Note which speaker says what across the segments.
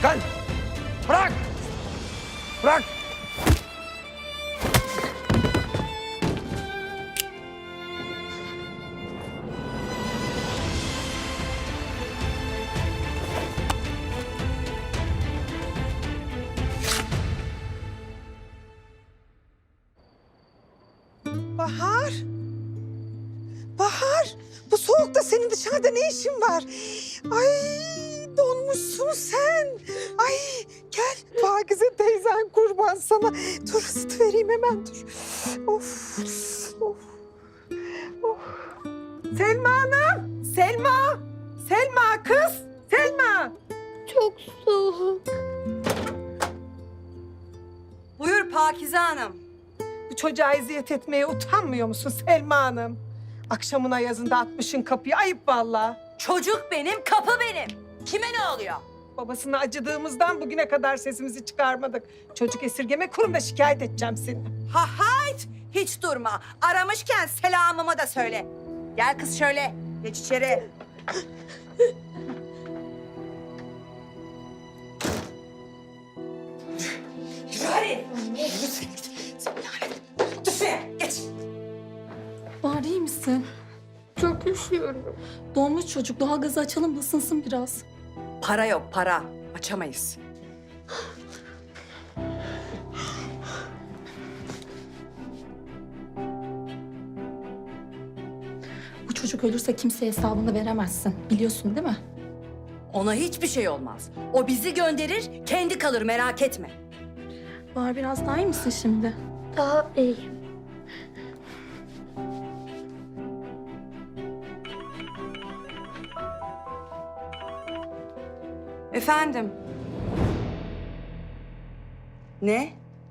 Speaker 1: Gel. Bırak. Bırak.
Speaker 2: Bahar. Bahar. Bu soğukta senin dışarıda ne işin var? Ay donmuşsun sen. Ay gel Pakize teyzen kurban sana. Dur ısıtıvereyim hemen dur. Of. Of. Of. Selma Hanım. Selma. Selma kız. Selma.
Speaker 3: Çok soğuk.
Speaker 4: Buyur Pakize Hanım.
Speaker 2: Bu çocuğa eziyet etmeye utanmıyor musun Selma Hanım? Akşamına yazında atmışın kapıyı. Ayıp vallahi.
Speaker 4: Çocuk benim, kapı benim. Kime ne oluyor?
Speaker 2: Babasına acıdığımızdan bugüne kadar sesimizi çıkarmadık. Çocuk esirgeme kurumuna şikayet edeceğim seni.
Speaker 4: Ha hayt, hiç durma. Aramışken selamımı da söyle. Gel kız şöyle, geç içeri. Yürü hadi. Dur şuraya, geç.
Speaker 3: Bahar iyi misin? Çok üşüyorum. Donmuş çocuk. Doğalgazı açalım ısınsın biraz.
Speaker 4: Para yok, para. Açamayız.
Speaker 3: Bu çocuk ölürse kimseye hesabını veremezsin. Biliyorsun değil mi?
Speaker 4: Ona hiçbir şey olmaz. O bizi gönderir, kendi kalır merak etme.
Speaker 3: Bahar biraz daha iyi misin şimdi?
Speaker 5: Daha iyi.
Speaker 4: Efendim? Ne?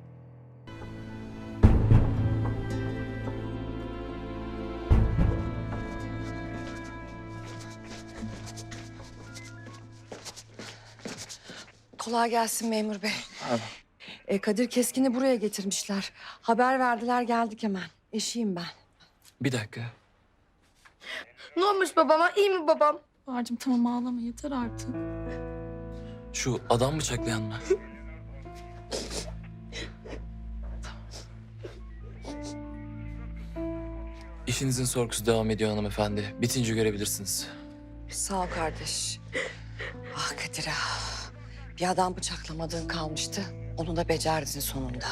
Speaker 6: Kolay gelsin memur bey. Kadir Keskin'i buraya getirmişler. Haber verdiler geldik hemen. Eşiyim ben.
Speaker 7: Bir dakika.
Speaker 5: Ne olmuş babama? İyi mi babam?
Speaker 3: Bahar'cığım tamam ağlama yeter artık.
Speaker 7: Şu adam bıçaklayan mı? İşinizin sorgusu devam ediyor hanımefendi. Bitince görebilirsiniz.
Speaker 6: Sağ ol kardeş. Ah Kadir ah. Bir adam bıçaklamadığın kalmıştı. Onu da becerdin sonunda.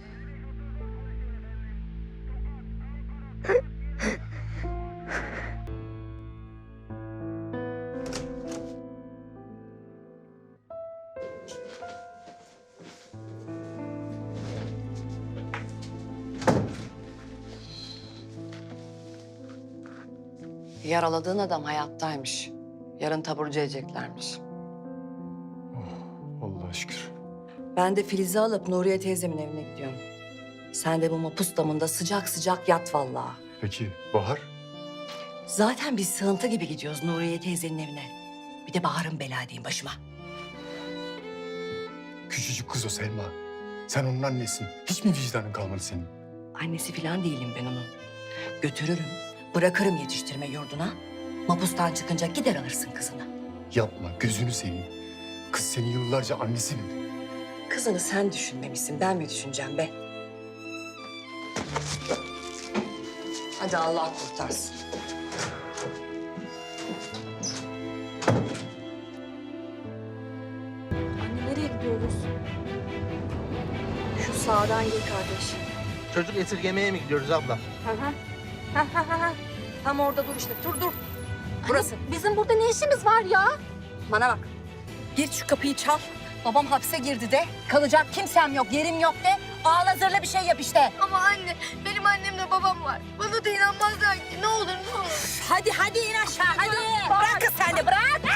Speaker 6: Yaraladığın adam hayattaymış. Yarın taburcu edeceklermiş.
Speaker 8: Allah'a şükür.
Speaker 6: Ben de Filiz'i alıp Nuriye teyzemin evine gidiyorum. Sen de bu mapus damında sıcak sıcak yat vallahi.
Speaker 8: Peki Bahar?
Speaker 6: Zaten biz sığıntı gibi gidiyoruz Nuriye teyzenin evine. Bir de Bahar'ın bela diyeyim başıma.
Speaker 8: Küçücük kız o Selma. Sen onun annesin. Hiç mi vicdanın kalmadı senin?
Speaker 6: Annesi falan değilim ben onun. Götürürüm, bırakırım yetiştirme yurduna. Mapustan çıkınca gider alırsın kızını.
Speaker 8: Yapma, gözünü seveyim. Kız seni yıllarca annesi mi?
Speaker 6: Kızını sen düşünmemişsin, ben mi düşüneceğim be? Hadi Allah kurtarsın.
Speaker 3: Anne nereye gidiyoruz?
Speaker 6: Şu sağdan gir kardeş.
Speaker 1: Çocuk esirgemeye mi gidiyoruz abla?
Speaker 6: Tam orada dur işte, dur. Burası.
Speaker 3: Bizim burada ne işimiz var ya?
Speaker 6: Bana bak. Gir şu kapıyı çal. Babam hapse girdi de. Kalacak kimsem yok, yerim yok de. Ağlazırla bir şey yap işte.
Speaker 5: Ama anne, benim annemle babam var. Bana da inanmazlar ki. Ne olur, ne olur.
Speaker 4: Hadi in aşağı hadi. Bırak kız sen de bırak.